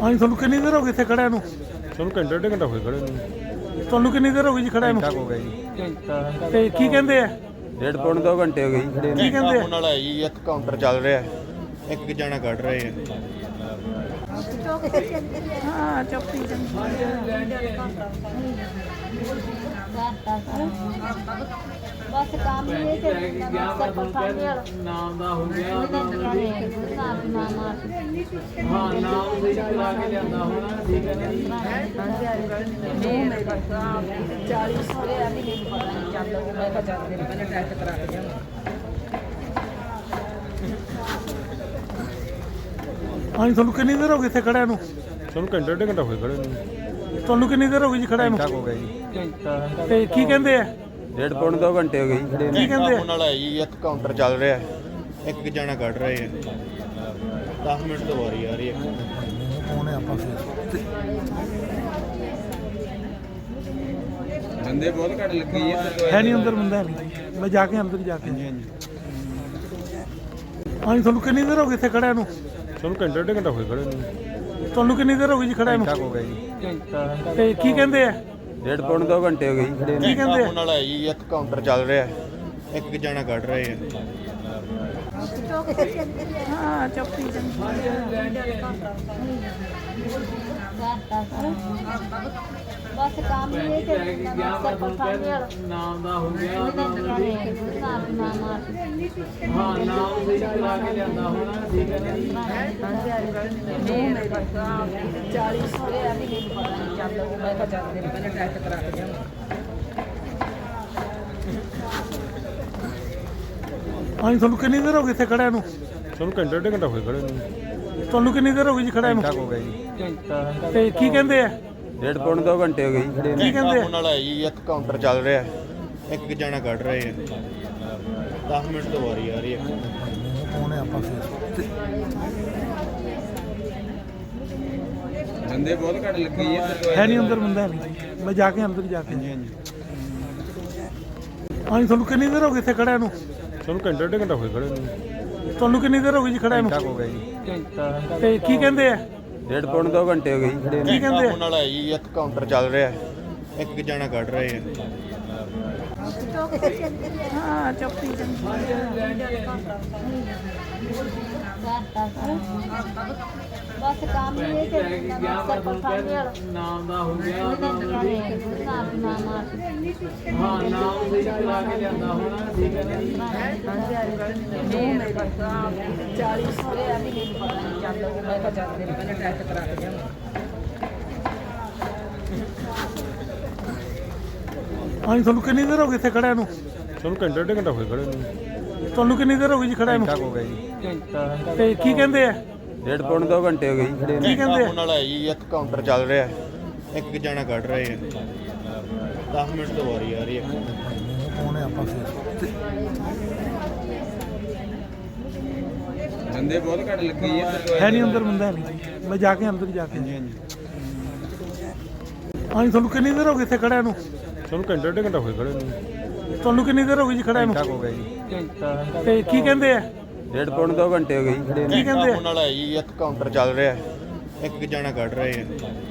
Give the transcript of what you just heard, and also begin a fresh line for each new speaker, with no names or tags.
ਹਾਂਜੀ ਤੁਹਾਨੂੰ ਕਿੰਨੀ ਦੇਰ ਹੋ ਗਈ ਇੱਥੇ ਖੜਿਆਂ ਨੂੰ?
ਸਾਨੂੰ ਘੰਟਾ ਡੇਢ ਘੰਟਾ ਹੋਇਆ ਖੜੇ ਨੂੰ।
ਤੁਹਾਨੂੰ ਕਿੰਨੀ ਦੇਰ ਹੋ ਗਈ ਜੀ ਖੜਿਆਂ ਨੂੰ?
ਹੋ ਗਿਆ ਜੀ
ਤੇ ਕੀ ਕਹਿੰਦੇ ਆ?
ਡੇਢ ਪੌਣ 2 ਘੰਟੇ ਹੋ ਗਏ ਜੀ ਖੜੇ
ਕੀ ਕਹਿੰਦੇ ਆ?
ਨਾਲ ਹੈ ਜੀ ਇੱਕ ਕਾਊਂਟਰ ਚੱਲ ਰਿਹਾ ਇੱਕ ਜਣਾ ਕੱਢ ਰਹੇ ਆ
ਹਾਂ ਚੌਕੀ ਬਸ ਕੰਮ ਹੀ ਇਹ ਸਰਪੰਚ ਸਾਹਿਬ ਨਾਮ ਦਾ ਹੋ ਗਿਆ ਨਾਮ
ਹਾਂ ਨਾਮ ਸਹੀ ਕਰਾ ਕੇ ਲਿਆਂਦਾ ਹੋਣਾ ਠੀਕ ਹੈ ਨਾ ਜੀ
40 ਸੋਰੇ ਆ ਵੀ ਨਹੀਂ ਪਤਾ ਨਹੀਂ ਚੱਲਦਾ ਉਹ ਮੈਂ ਤਾਂ ਚੱਲਦੇ ਨੇ ਪਹਿਲਾਂ ਟੈਸਟ ਕਰਾ ਕੇ ਜਾਵਾਂ
ਹਾਂਜੀ ਤੁਹਾਨੂੰ ਕਿੰਨੀ ਦੇਰ ਹੋ ਗਈ ਇੱਥੇ ਖੜਿਆਂ ਨੂੰ?
ਸਾਨੂੰ ਘੰਟਾ ਡੇਢ ਘੰਟਾ ਹੋਇਆ ਖੜੇ ਨੂੰ।
ਤੁਹਾਨੂੰ ਕਿੰਨੀ ਦੇਰ ਹੋ ਗਈ ਜੀ ਖੜਿਆਂ ਨੂੰ?
ਹੋ ਗਿਆ ਜੀ
ਤੇ ਕੀ ਕਹਿੰਦੇ ਆ?
ਡੇਢ ਪੌਣ 2 ਘੰਟੇ ਹੋ ਗਏ ਜੀ ਖੜੇ
ਕੀ ਕਹਿੰਦੇ ਆ?
ਨਾਲ ਹੈ ਜੀ ਇੱਕ ਕਾਊਂਟਰ ਚੱਲ ਰਿਹਾ ਇੱਕ ਜਣਾ ਕੱਢ ਰਹੇ ਆ 10 ਮਿੰਟ ਤੋਂ ਵਾਰੀ ਆ ਰਹੀ ਹੈ
ਆਉਣੇ ਆਪਾਂ ਫਿਰ
ਬੰਦੇ ਬਹੁਤ ਘੱਟ ਲੱਗੇ ਜੀ
ਹੈ ਨਹੀਂ ਅੰਦਰ ਬੰਦਾ ਹੈ ਨਹੀਂ ਮੈਂ ਜਾ ਕੇ ਅੰਦਰ ਜਾ ਕੇ ਹਾਂਜੀ ਤੁਹਾਨੂੰ ਕਿੰਨੀ ਦੇਰ ਹੋ ਗਈ ਇੱਥੇ ਖੜਿਆਂ ਨੂੰ?
ਸਾਨੂੰ ਘੰਟਾ ਡੇਢ ਘੰਟਾ ਹੋਇਆ ਖੜੇ ਨੂੰ।
ਤੁਹਾਨੂੰ ਕਿੰਨੀ ਦੇਰ ਹੋ ਗਈ ਜੀ ਖੜਿਆਂ ਨੂੰ?
ਹੋ ਗਿਆ ਜੀ
ਤੇ ਕੀ ਕਹਿੰਦੇ ਆ?
ਡੇਢ ਪੌਣ 2 ਘੰਟੇ ਹੋ ਗਏ ਜੀ ਖੜੇ
ਕੀ ਕਹਿੰਦੇ ਆ?
ਨਾਲ ਹੈ ਜੀ ਇੱਕ ਕਾਊਂਟਰ ਚੱਲ ਰਿਹਾ ਇੱਕ ਜਣਾ ਕੱਢ ਰਹੇ ਆ
ਹਾਂ ਚੌਕੀ ਬਸ ਕੰਮ ਹੀ ਇਹ ਸਰਪੰਚ ਸਾਹਿਬ
ਨਾਮ ਦਾ ਹੋ ਗਿਆ
ਨਾਮ
ਹਾਂ ਨਾਮ ਸਹੀ ਕਰਾ ਕੇ ਲਿਆਂਦਾ ਹੋਣਾ ਠੀਕ ਹੈ ਨਾ ਜੀ
40 ਸੋਰੇ ਆ ਵੀ ਨਹੀਂ ਪਤਾ ਨਹੀਂ ਚੱਲਦਾ ਉਹ ਮੈਂ ਤਾਂ ਚੱਲਦੇ ਨੇ ਪਹਿਲਾਂ ਟੈਸਟ ਕਰਾ ਕੇ ਜਾਵਾਂ
ਹਾਂਜੀ ਤੁਹਾਨੂੰ ਕਿੰਨੀ ਦੇਰ ਹੋ ਗਈ ਇੱਥੇ ਖੜਿਆਂ ਨੂੰ?
ਸਾਨੂੰ ਘੰਟਾ ਡੇਢ ਘੰਟਾ ਹੋਇਆ ਖੜੇ ਨੂੰ।
ਤੁਹਾਨੂੰ ਕਿੰਨੀ ਦੇਰ ਹੋ ਗਈ ਜੀ ਖੜਿਆਂ ਨੂੰ?
ਹੋ ਗਿਆ ਜੀ
ਤੇ ਕੀ ਕਹਿੰਦੇ ਆ?
ਡੇਢ ਪੌਣ 2 ਘੰਟੇ ਹੋ ਗਏ ਜੀ ਖੜੇ
ਕੀ ਕਹਿੰਦੇ ਆ?
ਨਾਲ ਹੈ ਜੀ ਇੱਕ ਕਾਊਂਟਰ ਚੱਲ ਰਿਹਾ ਇੱਕ ਜਣਾ ਕੱਢ ਰਹੇ ਆ 10 ਮਿੰਟ ਤੋਂ ਵਾਰੀ ਆ ਰਹੀ ਹੈ
ਆਉਣੇ ਆਪਾਂ ਫਿਰ
ਬੰਦੇ ਬਹੁਤ ਘੱਟ ਲੱਗੇ ਜੀ
ਹੈ ਨਹੀਂ ਅੰਦਰ ਬੰਦਾ ਹੈ ਨਹੀਂ ਮੈਂ ਜਾ ਕੇ ਅੰਦਰ ਜਾ ਕੇ ਹਾਂਜੀ ਤੁਹਾਨੂੰ ਕਿੰਨੀ ਦੇਰ ਹੋ ਗਈ ਇੱਥੇ ਖੜਿਆਂ ਨੂੰ?
ਸਾਨੂੰ ਘੰਟਾ ਡੇਢ ਘੰਟਾ ਹੋਇਆ ਖੜੇ ਨੂੰ।
ਤੁਹਾਨੂੰ ਕਿੰਨੀ ਦੇਰ ਹੋ ਗਈ ਜੀ ਖੜਿਆਂ ਨੂੰ?
ਹੋ ਗਿਆ ਜੀ
ਤੇ ਕੀ ਕਹਿੰਦੇ ਆ?
ਡੇਢ ਪੌਣ 2 ਘੰਟੇ ਹੋ ਗਏ ਜੀ ਖੜੇ
ਕੀ ਕਹਿੰਦੇ ਆ?
ਨਾਲ ਹੈ ਜੀ ਇੱਕ ਕਾਊਂਟਰ ਚੱਲ ਰਿਹਾ ਇੱਕ ਜਣਾ ਕੱਢ ਰਹੇ ਆ
ਹਾਂ ਚੌਕੀ ਬਸ ਕੰਮ ਹੀ ਇਹ ਸਰਪੰਚ ਸਾਹਿਬ
ਨਾਮ ਦਾ ਹੋ ਗਿਆ
ਨਾਮ
ਹਾਂ ਨਾਮ ਸਹੀ ਕਰਾ ਕੇ ਲਿਆਂਦਾ ਹੋਣਾ ਠੀਕ ਹੈ ਨਾ ਜੀ
40 ਸੋਰੇ ਆ ਵੀ ਨਹੀਂ ਪਤਾ ਨਹੀਂ ਚੱਲਦਾ ਉਹ ਮੈਂ ਤਾਂ ਚੱਲਦੇ ਨੇ ਪਹਿਲਾਂ ਟੈਸਟ ਕਰਾ ਕੇ ਜਾਵਾਂ
ਹਾਂਜੀ ਤੁਹਾਨੂੰ ਕਿੰਨੀ ਦੇਰ ਹੋ ਗਈ ਇੱਥੇ ਖੜਿਆਂ ਨੂੰ?
ਸਾਨੂੰ ਘੰਟਾ ਡੇਢ ਘੰਟਾ ਹੋਇਆ ਖੜੇ ਨੂੰ।
ਤੁਹਾਨੂੰ ਕਿੰਨੀ ਦੇਰ ਹੋ ਗਈ ਜੀ ਖੜਿਆਂ ਨੂੰ?
ਹੋ ਗਿਆ ਜੀ
ਤੇ ਕੀ ਕਹਿੰਦੇ ਆ?
ਡੇਢ ਪੌਣ 2 ਘੰਟੇ ਹੋ ਗਏ ਜੀ ਖੜੇ
ਕੀ ਕਹਿੰਦੇ ਆ?
ਨਾਲ ਹੈ ਜੀ ਇੱਕ ਕਾਊਂਟਰ ਚੱਲ ਰਿਹਾ ਇੱਕ ਜਣਾ ਕੱਢ ਰਹੇ ਆ 10 ਮਿੰਟ ਤੋਂ ਵਾਰੀ ਆ ਰਹੀ ਹੈ
ਆਉਣੇ ਆਪਾਂ ਫਿਰ
ਬੰਦੇ ਬਹੁਤ ਘੱਟ ਲੱਗੇ ਜੀ
ਹੈ ਨਹੀਂ ਅੰਦਰ ਬੰਦਾ ਹੈ ਨਹੀਂ ਮੈਂ ਜਾ ਕੇ ਅੰਦਰ ਜਾ ਕੇ ਹਾਂਜੀ ਤੁਹਾਨੂੰ ਕਿੰਨੀ ਦੇਰ ਹੋ ਗਈ ਇੱਥੇ ਖੜਿਆਂ ਨੂੰ?
ਸਾਨੂੰ ਘੰਟਾ ਡੇਢ ਘੰਟਾ ਹੋਇਆ ਖੜੇ ਨੂੰ।
ਤੁਹਾਨੂੰ ਕਿੰਨੀ ਦੇਰ ਹੋ ਗਈ ਜੀ ਖੜਿਆਂ ਨੂੰ?
ਹੋ ਗਿਆ ਜੀ
ਤੇ ਕੀ ਕਹਿੰਦੇ ਆ?
ਡੇਢ ਪੌਣ 2 ਘੰਟੇ ਹੋ ਗਏ ਜੀ ਖੜੇ
ਕੀ ਕਹਿੰਦੇ ਆ?
ਨਾਲ ਹੈ ਜੀ ਇੱਕ ਕਾਊਂਟਰ ਚੱਲ ਰਿਹਾ ਇੱਕ ਜਣਾ ਕੱਢ ਰਹੇ ਆ